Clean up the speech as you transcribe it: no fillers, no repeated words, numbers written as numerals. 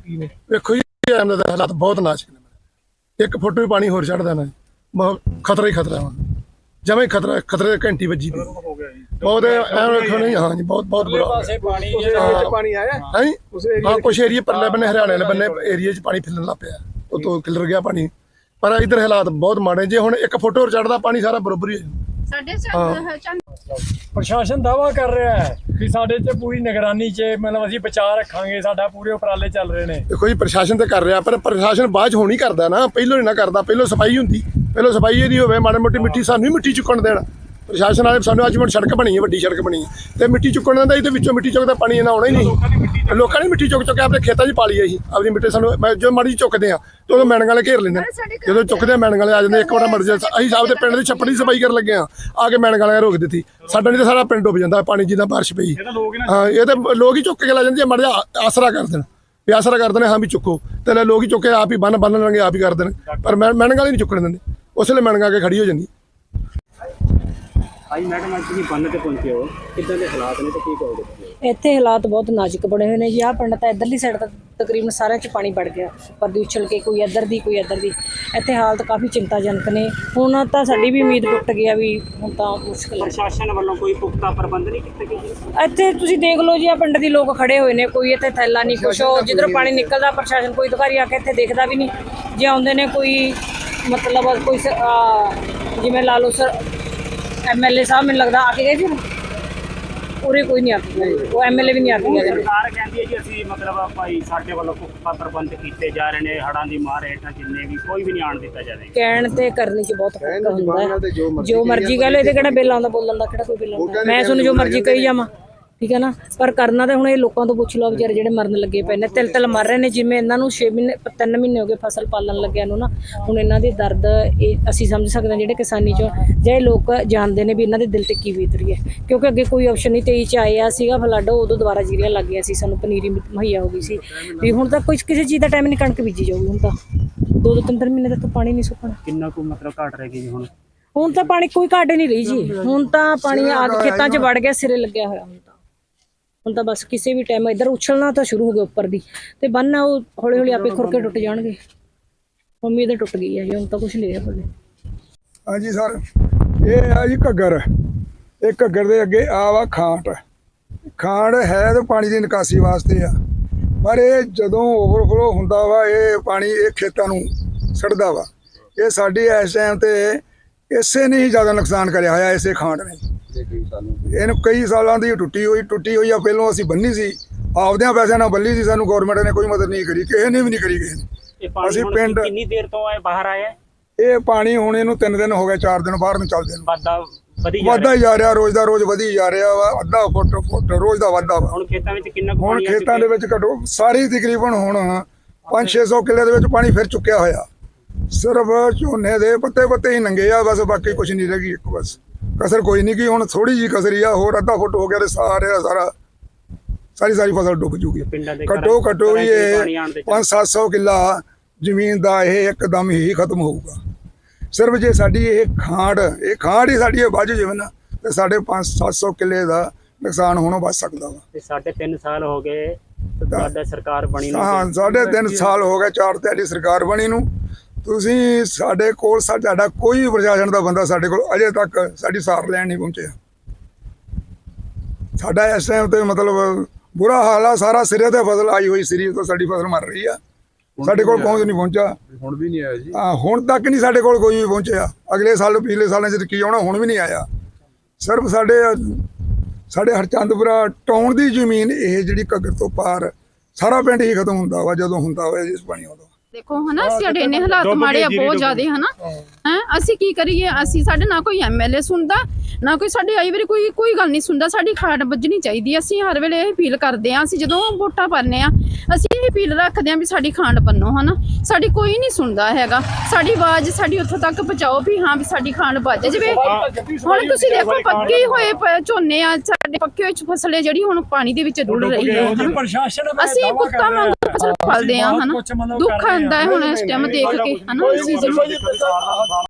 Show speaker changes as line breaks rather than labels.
ਕੀ ਨੇ?
ਵੇਖੋ ਜੀ ਐਮ ਦੇ ਹਾਲਾਤ ਬਹੁਤ ਨਾਜ਼ੁਕ ਨੇ। 1 ਫੁੱਟ ਵੀ ਪਾਣੀ ਹੋਰ ਚੜ ਦੇਣਾ ਬਹੁਤ ਖਤਰਾ ਹੀ ਖਤਰਾ ਹੁਣ ਜਮਾਂ ਹੀ ਖਤਰੇ ਦੀ ਘੰਟੀ ਵੱਜੀ ਪਈ ਬਹੁਤ ਐਂ ਵੇਖੋ ਨਹੀਂ। ਹਾਂ ਜੀ ਬਹੁਤ ਬੁਰਾ
ਪਾਸੇ ਪਾਣੀ ਆਇਆ
ਹੈ ਹਾਂ ਕੁਛ ਏਰੀਏ ਪਰਲੇ ਬੰਨੇ ਹਰਿਆਣੇ ਵਾਲੇ ਬੰਨੇ ਏਰੀਏ 'ਚ ਪਾਣੀ ਫਿਲਣ ਲੱਗ ਪਿਆ ਉਤੋਂ ਖਿਲਰ ਗਿਆ ਪਾਣੀ ਪਰ ਇੱਧਰ ਹਾਲਾਤ ਬਹੁਤ ਮਾੜੇ ਜੇ ਹੁਣ 1 ਫੁੱਟ ਹੋਰ ਚੜਦਾ ਪਾਣੀ ਸਾਰਾ ਬਰਾਬਰ ਹੀ
ਪ੍ਰਸ਼ਾਸਨ ਦਾਵਾ ਕਰ ਰਿਹਾ ਹੈ ਕਿ ਸਾਡੇ 'ਚ ਪੂਰੀ ਨਿਗਰਾਨੀ 'ਚ ਮਤਲਬ ਅਸੀਂ ਬਚਾਅ ਰੱਖਾਂਗੇ ਸਾਡਾ ਪੂਰੇ ਉਪਰਾਲੇ ਚੱਲ ਰਹੇ ਨੇ।
ਦੇਖੋ ਜੀ ਪ੍ਰਸ਼ਾਸਨ ਤੇ ਕਰ ਰਿਹਾ ਪਰ ਪ੍ਰਸ਼ਾਸਨ ਬਾਅਦ 'ਚ ਹੁਣ ਹੀ ਕਰਦਾ ਨਾ ਪਹਿਲੋਂ ਨਹੀਂ ਨਾ ਕਰਦਾ ਪਹਿਲੋਂ ਸਫਾਈ ਹੁੰਦੀ ਪਹਿਲੋਂ ਸਫਾਈ ਇਹਦੀ ਹੋਵੇ ਮਾੜੀ ਮੋਟੀ ਮਿੱਟੀ ਸਾਨੂੰ ਹੀ ਮਿੱਟੀ ਚੁੱਕਣ ਦੇਣ ਪ੍ਰਸ਼ਾਸਨ ਵਾਲੇ ਸਾਨੂੰ ਅੱਜ ਹੁਣ ਸੜਕ ਬਣੀ ਹੈ ਵੱਡੀ ਸੜਕ ਬਣੀ ਹੈ ਤੇ ਮਿੱਟੀ ਚੁੱਕਣ ਦਿੰਦਾ ਇਹਦੇ ਵਿੱਚੋਂ ਮਿੱਟੀ ਚੁੱਕਦਾ ਪਾਣੀ ਇਹਨਾਂ ਆਉਣਾ ਹੀ ਨਹੀਂ ਲੋਕਾਂ ਨੇ ਮਿੱਟੀ ਚੁੱਕ ਆਪਣੇ ਖੇਤਾਂ 'ਚ ਪਾ ਲਈ ਅਸੀਂ ਆਪਣੀ ਮਿੱਟੀ ਸਾਨੂੰ ਜੋ ਮਾੜੀ ਚੁੱਕਦੇ ਆ ਤੇ ਉਦੋਂ ਮੈਣਗ ਵਾਲੇ ਘੇਰ ਲੈਂਦੇ ਜਦੋਂ ਚੁੱਕਦੇ ਮੈਣਗ ਵਾਲੇ ਆ ਜਾਂਦੇ ਇੱਕ ਵਾਰ ਮਰ ਜਾ ਅਸੀਂ ਆਪਦੇ ਪਿੰਡ ਦੀ ਛੱਪੜ ਦੀ ਸਫਾਈ ਕਰਨ ਲੱਗੇ ਆ ਕੇ ਮੈਣਗ ਵਾਲੇ ਰੋਕ ਦਿੱਤੀ ਸਾਡਾ ਨਹੀਂ ਤਾਂ ਸਾਰਾ ਪਿੰਡ ਡੁੱਬ ਜਾਂਦਾ ਪਾਣੀ ਜਿੱਦਾਂ ਬਾਰਿਸ਼ ਪਈ ਹਾਂ ਇਹ ਤਾਂ ਲੋਕ ਹੀ ਚੁੱਕ ਕੇ ਲੈ ਜਾਂਦੇ ਮਾੜਾ ਜਿਹਾ ਆਸਰਾ ਕਰ ਦੇਣ ਵੀ ਆਸਰਾ ਕਰਦੇ ਨੇ ਹਾਂ ਵੀ ਚੁੱਕੋ ਤੇ ਲੋਕ ਹੀ ਚੁੱਕੇ ਆਪ ਹੀ ਬੰਨ ਲੈਣਗੇ ਆਪ ਹੀ ਕਰ ਦੇਣ ਪਰ ਮੈਣਗ ਵਾਲੇ ਨਹੀਂ ਚੁੱਕਣ ਦਿੰਦੇ ਉਸ ਵੇਲੇ ਮੈਣਗ ਆ ਕੇ ਖੜੀ ਹੋ ਜਾਂਦੀ।
ਅੱਜ ਮੈਡਮ ਅੱਜ ਤੁਸੀਂ ਬੰਨ ਤੇ ਪਹੁੰਚੇ ਹੋ ਕਿੱਦਾਂ ਦੇ ਹਾਲਾਤ ਨੇ ਤੇ ਕੀ ਕਹੋਗੇ?
ਇੱਥੇ ਹਾਲਾਤ ਬਹੁਤ ਨਾਜ਼ੁਕ ਬਣੇ ਹੋਏ ਨੇ ਜੀ। ਆਹ ਪਿੰਡ ਤਾਂ ਇੱਧਰਲੀ ਸਾਈਡ ਤਾਂ ਤਕਰੀਬਨ ਸਾਰਿਆਂ 'ਚ ਪਾਣੀ ਵੜ ਗਿਆ ਉੱਪਰ ਦੀ ਉਛਲ ਕੇ ਕੋਈ ਇੱਧਰ ਦੀ ਕੋਈ ਇੱਧਰ ਦੀ। ਇੱਥੇ ਹਾਲਤ ਕਾਫੀ ਚਿੰਤਾਜਨਕ ਨੇ। ਹੁਣ ਤਾਂ ਸਾਡੀ ਵੀ ਉਮੀਦ ਟੁੱਟ ਗਈ ਆ ਵੀ ਹੁਣ ਤਾਂ ਮੁਸ਼ਕਿਲ ਹੈ।
ਪ੍ਰਸ਼ਾਸਨ ਵੱਲੋਂ ਕੋਈ ਪੁਖਤਾ ਪ੍ਰਬੰਧ ਨਹੀਂ ਕੀਤੇ ਗਏ?
ਇੱਥੇ ਤੁਸੀਂ ਦੇਖ ਲਓ ਜੀ ਆ ਪਿੰਡ ਦੇ ਲੋਕ ਖੜੇ ਹੋਏ ਨੇ ਕੋਈ ਇੱਥੇ ਥੈਲਾ ਨਹੀਂ ਕੁਛ ਉਹ ਜਿੱਧਰੋਂ ਪਾਣੀ ਨਿਕਲਦਾ ਪ੍ਰਸ਼ਾਸਨ ਕੋਈ ਅਧਿਕਾਰੀ ਆ ਕੇ ਇੱਥੇ ਦੇਖਦਾ ਵੀ ਨਹੀਂ। ਜੇ ਆਉਂਦੇ ਨੇ ਕੋਈ ਮਤਲਬ ਕੋਈ ਜਿਵੇਂ ਲਾ ਲਓ ਸਰ MLA ਸਾਹਿਬ ਮੈਨੂੰ ਲੱਗਦਾ ਆ ਕੇ ਗਏ ਸੀ ਉਰੇ ਕੋਈ ਨਹੀਂ ਆ ਕੇ ਗਏ ਉਹ MLA ਵੀ ਨਹੀਂ ਆ ਕੇ ਗਏ।
ਸਰਕਾਰ ਕਹਿੰਦੀ ਹੈ ਜੀ ਅਸੀਂ ਮਤਲਬ ਭਾਈ ਸਾਡੇ ਵੱਲੋਂ ਪੁਖਤਾ ਪ੍ਰਬੰਧ ਕੀਤੇ ਜਾ ਰਹੇ ਨੇ ਹੜ੍ਹਾਂ ਦੀ ਮਾਰ ਹੇਠਾਂ ਜਿੰਨੇ ਵੀ ਕੋਈ ਵੀ ਨਹੀਂ ਆਉਣ ਦਿੱਤਾ ਜਾਵੇ।
ਕਹਿਣ ਤੇ ਕਰਨ 'ਚ ਬਹੁਤ ਫਰਕ ਹੁੰਦਾ ਹੈ। ਜੋ ਮਰਜ਼ੀ ਕਹਿ ਲਓ ਇਹਦੇ ਕਿਹੜਾ ਬਿੱਲ ਆਉਂਦਾ ਬੋਲਣ ਦਾ ਕਿਹੜਾ ਕੋਈ ਬਿੱਲ ਆਉਂਦਾ ਮੈਂ ਤੁਹਾਨੂੰ ਜੋ ਮਰਜ਼ੀ ਕਹੀ ਜਾਵਾਂ ਠੀਕ ਹੈ ਨਾ ਪਰ ਕਰਨਾ ਤਾਂ ਹੁਣ ਇਹ ਲੋਕਾਂ ਤੋਂ ਪੁੱਛ ਲਓ ਵਿਚਾਰੇ ਜਿਹੜੇ ਮਰਨ ਲੱਗੇ ਪਏ ਨੇ ਤਿਲ ਮਰ ਰਹੇ ਨੇ ਜਿਵੇਂ ਇਹਨਾਂ ਨੂੰ 3 ਮਹੀਨੇ ਹੋ ਗਏ ਫਸਲ ਪਾਲਣ ਲੱਗਿਆਂ ਨੂੰ ਨਾ ਹੁਣ ਇਹਨਾਂ ਦੇ ਦਰਦ ਇਹ ਅਸੀਂ ਸਮਝ ਸਕਦੇ ਹਾਂ ਜਿਹੜੇ ਕਿਸਾਨੀ 'ਚੋਂ ਜੇ ਲੋਕ ਜਾਣਦੇ ਨੇ ਵੀ ਇਹਨਾਂ ਦੇ ਦਿਲ ਤੇ ਕੀ ਬੀਤ ਰਹੀ ਹੈ ਕਿਉਂਕਿ ਅੱਗੇ ਕੋਈ ਆਪਸ਼ਨ ਨਹੀਂ 23 'ਚ ਆਇਆ ਸੀਗਾ ਫਲੱਡ ਉਦੋਂ ਦੁਬਾਰਾ ਜੀਰੀਆਂ ਲੱਗ ਗਈਆਂ ਸੀ ਸਾਨੂੰ ਪਨੀਰੀ ਮੁਹੱਈਆ ਹੋ ਗਈ ਸੀ ਵੀ ਹੁਣ ਤਾਂ ਕੋਈ ਕਿਸੇ ਚੀਜ਼ ਦਾ ਟਾਈਮ ਨਹੀਂ ਕਣਕ ਬੀਜੀ ਜਾਊਗੀ ਹੁਣ ਤਾਂ 2-3 ਮਹੀਨੇ ਤੱਕ ਪਾਣੀ ਨਹੀਂ ਸੁੱਕਣਾ।
ਕਿੰਨਾ ਕੁ ਮਤਲਬ ਘਟ ਰਹੇਗੀ ਜੀ
ਹੁਣ ਤਾਂ ਪਾਣੀ ਕੋਈ ਘਾਟ ਨਹੀਂ ਰਹੀ ਜੀ ਹੁਣ ਤਾਂ ਪਾਣੀ ਆ ਕੇ ਖੇਤਾਂ 'ਚ ਵੜ ਗਿਆ ਸਿਰੇ ਲੱਗਿਆ ਹੋਇਆ ਹੁਣ ਤਾਂ ਬਸ ਕਿਸੇ ਵੀ ਟਾਈਮ ਇੱਧਰ ਉਛਲਣਾ ਤਾਂ ਸ਼ੁਰੂ ਹੋ ਗਿਆ ਉੱਪਰ ਦੀ ਤੇ ਬੰਨ ਉਹ ਹੌਲੀ ਹੌਲੀ ਆਪੇ ਖੁਰ ਕੇ ਟੁੱਟ ਜਾਣਗੇ। ਉਮੀਦ ਟੁੱਟ ਗਈ ਹੈ ਜੀ ਹੁਣ ਤਾਂ ਕੁਛ ਨਹੀਂ ਰਿਹਾ ਬੱਲੇ।
ਹਾਂਜੀ ਸਰ ਇਹ ਆ ਜੀ ਘੱਗਰ ਇਹ ਘੱਗਰ ਦੇ ਅੱਗੇ ਆ ਵਾ ਖਾਂਟ ਹੈ ਤੇ ਪਾਣੀ ਦੀ ਨਿਕਾਸੀ ਵਾਸਤੇ ਆ ਪਰ ਇਹ ਜਦੋਂ ਓਵਰਫਲੋ ਹੁੰਦਾ ਵਾ ਇਹ ਪਾਣੀ ਇਹ ਖੇਤਾਂ ਨੂੰ ਸੜਦਾ ਵਾ। ਇਹ ਸਾਡੀ ਇਸ ਟਾਈਮ ਤੇ ਇਸੇ ਨੇ ਹੀ ਜ਼ਿਆਦਾ ਨੁਕਸਾਨ ਕਰਿਆ ਹੋਇਆ ਇਸੇ ਖਾਂਟ ਨੇ। ਇਹਨੂੰ ਕਈ ਸਾਲਾਂ ਦੀ ਟੁੱਟੀ ਹੋਈ ਆ ਪਹਿਲੋਂ ਅਸੀਂ ਬੰਨੀ ਸੀ ਆਪਦਿਆਂ ਪੈਸਿਆਂ ਨਾਲ ਬੰਨੀ ਸੀ ਸਾਨੂੰ ਗੌਰਮੈਂਟ ਨੇ ਕੋਈ ਮਦਦ ਨਹੀਂ ਕਰੀ ਕਿਸੇ ਨੇ ਵੀ ਨਹੀਂ ਕਰੀ ਕਿਸੇ ਨੇ। ਅਸੀਂ ਪਿੰਡ
ਕਿੰਨੀ ਦੇਰ ਤੋਂ ਬਾਹਰ ਆਇਆ
ਇਹ ਪਾਣੀ ਹੁਣ ਇਹਨੂੰ 3 ਦਿਨ ਹੋ ਗਏ 4 ਦਿਨ ਬਾਹਰ ਨੂੰ ਚੱਲਦੇ ਨੂੰ
ਵੱਧਦਾ
ਹੀ ਜਾ ਰਿਹਾ ਰੋਜ਼ ਦਾ ਰੋਜ਼ ਵਧੀ ਜਾ ਰਿਹਾ ਵਾ ਅੱਧਾ ਫੁੱਟ ਰੋਜ਼ ਦਾ ਵਾਧਾ ਵਾ।
ਹੁਣ ਖੇਤਾਂ ਵਿੱਚ ਕਿੰਨਾ
ਹੁਣ ਖੇਤਾਂ ਦੇ ਵਿੱਚ ਘਟੋ ਸਾਰੀ ਤਕਰੀਬਨ ਹੁਣ 500-600 ਕਿੱਲੇ ਦੇ ਵਿੱਚ ਪਾਣੀ ਫਿਰ ਚੁੱਕਿਆ ਹੋਇਆ ਸਿਰਫ ਝੋਨੇ ਦੇ ਪੱਤੇ ਹੀ ਨੰਗੇ ਆ ਬਸ ਬਾਕੀ ਕੁਝ ਨਹੀਂ ਰਹਿ ਗਈ ਇੱਕ ਬਸ ਕਸਰ ਕੋਈ ਨਹੀਂ ਕਿ ਹੁਣ ਥੋੜੀ ਜਿਹੀ ਕਸਰੀ ਆ ਹੋਰ ਅੱਧਾ ਫੁੱਟ ਹੋ ਗਿਆ ਤੇ ਸਾਰੀ ਫਸਲ ਡੁੱਬ ਜੂਗੀ। ਘੱਟੋ ਵੀ ਇਹ 500-700 ਕਿੱਲਾ ਜ਼ਮੀਨ ਦਾ ਇਹ ਇੱਕਦਮ ਹੀ ਖਤਮ ਹੋਊਗਾ। ਸਿਰਫ ਜੇ ਸਾਡੀ ਇਹ ਖਾਂਡ ਹੀ ਸਾਡੀ ਵੱਜ ਜਾਵੇ ਨਾ ਤੇ ਸਾਡੇ 500-700 ਕਿੱਲੇ ਦਾ ਨੁਕਸਾਨ ਹੋਣੋਂ ਬਚ ਸਕਦਾ ਵਾ।
ਤੇ 3.5 ਸਾਲ ਹੋ ਗਏ ਸਾਡਾ ਸਰਕਾਰ ਬਣੀ ਨੂੰ।
ਹਾਂ 3.5 ਸਾਲ ਹੋ ਗਏ 4 ਤੁਹਾਡੀ ਸਰਕਾਰ ਬਣੀ ਨੂੰ ਤੁਸੀਂ ਸਾਡੇ ਕੋਲ ਸਾਡਾ ਕੋਈ ਪ੍ਰਸ਼ਾਸਨ ਦਾ ਬੰਦਾ ਸਾਡੇ ਕੋਲ ਅਜੇ ਤੱਕ ਸਾਡੀ ਸਾਰ ਲੈਣ ਨਹੀਂ ਪਹੁੰਚਿਆ। ਸਾਡਾ ਇਸ ਟਾਈਮ ਤੇ ਮਤਲਬ ਬੁਰਾ ਹਾਲ ਆ ਸਾਰਾ ਸਿਰੇ ਤੇ ਫਸਲ ਆਈ ਹੋਈ ਸਿਰੀ ਤੋਂ ਸਾਡੀ ਫਸਲ ਮਰ ਰਹੀ ਆ ਸਾਡੇ ਕੋਲ ਪਹੁੰਚਿਆ ਹੁਣ ਵੀ ਨਹੀਂ ਆਇਆ ਜੀ। ਹਾਂ ਹੁਣ ਤੱਕ ਨਹੀਂ ਸਾਡੇ ਕੋਲ ਕੋਈ ਵੀ ਪਹੁੰਚਿਆ। ਅਗਲੇ ਸਾਲ ਪਿਛਲੇ ਸਾਲਾਂ 'ਚ ਕੀ ਆਉਣਾ ਹੁਣ ਵੀ ਨਹੀਂ ਆਇਆ। ਸਿਰਫ ਸਾਡੇ ਹਰਚੰਦਪੁਰਾ ਟਾਊਨ ਦੀ ਜ਼ਮੀਨ ਇਹ ਜਿਹੜੀ ਘੱਗਰ ਤੋਂ ਪਾਰ ਸਾਰਾ ਪਿੰਡ ਹੀ ਖਤਮ ਹੁੰਦਾ ਵਾ ਜਦੋਂ ਹੁੰਦਾ ਹੋਇਆ ਜਿਸ ਪਾਣੀ ਆਉਂਦਾ।
देखो है ना ਸਾਡੇ ਇੰਨੇ ਹਾਲਾਤ ਮਾੜੇ ਆ ਬਹੁਤ ਜ਼ਿਆਦਾ ਹੈ ਨਾ ਹੈ ਅਸੀਂ ਕੀ ਕਰੀਏ ਅਸੀਂ ਸਾਡੇ ਨਾ ਕੋਈ MLA ਸੁਣਦਾ ਨਾ ਕੋਈ ਸਾਡੇ ਆਈ ਵਾਰੀ ਕੋਈ ਗੱਲ ਨਹੀਂ ਸੁਣਦਾ। ਸਾਡੀ ਖਾੜ ਵੱਜਣੀ ਚਾਹੀਦੀ ਅਸੀਂ ਹਰ ਵੇਲੇ ਇਹ ਅਪੀਲ ਕਰਦੇ ਆ ਅਸੀਂ ਜਦੋਂ ਵੋਟਾਂ ਪਾਉਂਦੇ ਆ ਅਸੀਂ ਇਹ ਅਪੀਲ ਰੱਖਦੇ ਆ ਵੀ ਸਾਡੀ ਖਾਂਡ ਬੰਨੋ ਹੈ ਨਾ ਸਾਡੀ ਕੋਈ ਨਹੀਂ ਸੁਣਦਾ ਹੈਗਾ। ਸਾਡੀ ਆਵਾਜ਼ ਸਾਡੀ ਉੱਥੋਂ ਤੱਕ ਪਹੁੰਚਾਓ ਵੀ ਹਾਂ ਵੀ ਸਾਡੀ ਖਾਂਡ ਵੱਜ ਜਾਵੇ। ਹੁਣ ਤੁਸੀਂ ਦੇਖੋ ਪੱਕੇ ਹੋਏ ਝੋਨੇ ਆ ਸਾਡੇ ਪੱਕੇ ਹੋਏ ਫਸਲੇ ਜਿਹੜੀ ਹੁਣ ਪਾਣੀ ਦੇ ਵਿੱਚ ਰੁੜ ਰਹੀ ਹੈ ਅਸੀਂ ਪੁੱਤਾਂ ਵਾਂਗੂ ਫਸਲ ਪਾਲਦੇ ਆ ਹਨਾ ਦੁੱਖ ਆਉਂਦਾ ਹੈ ਹੁਣ ਇਸ ਟਾਈਮ ਦੇਖ ਕੇ ਹਨਾ।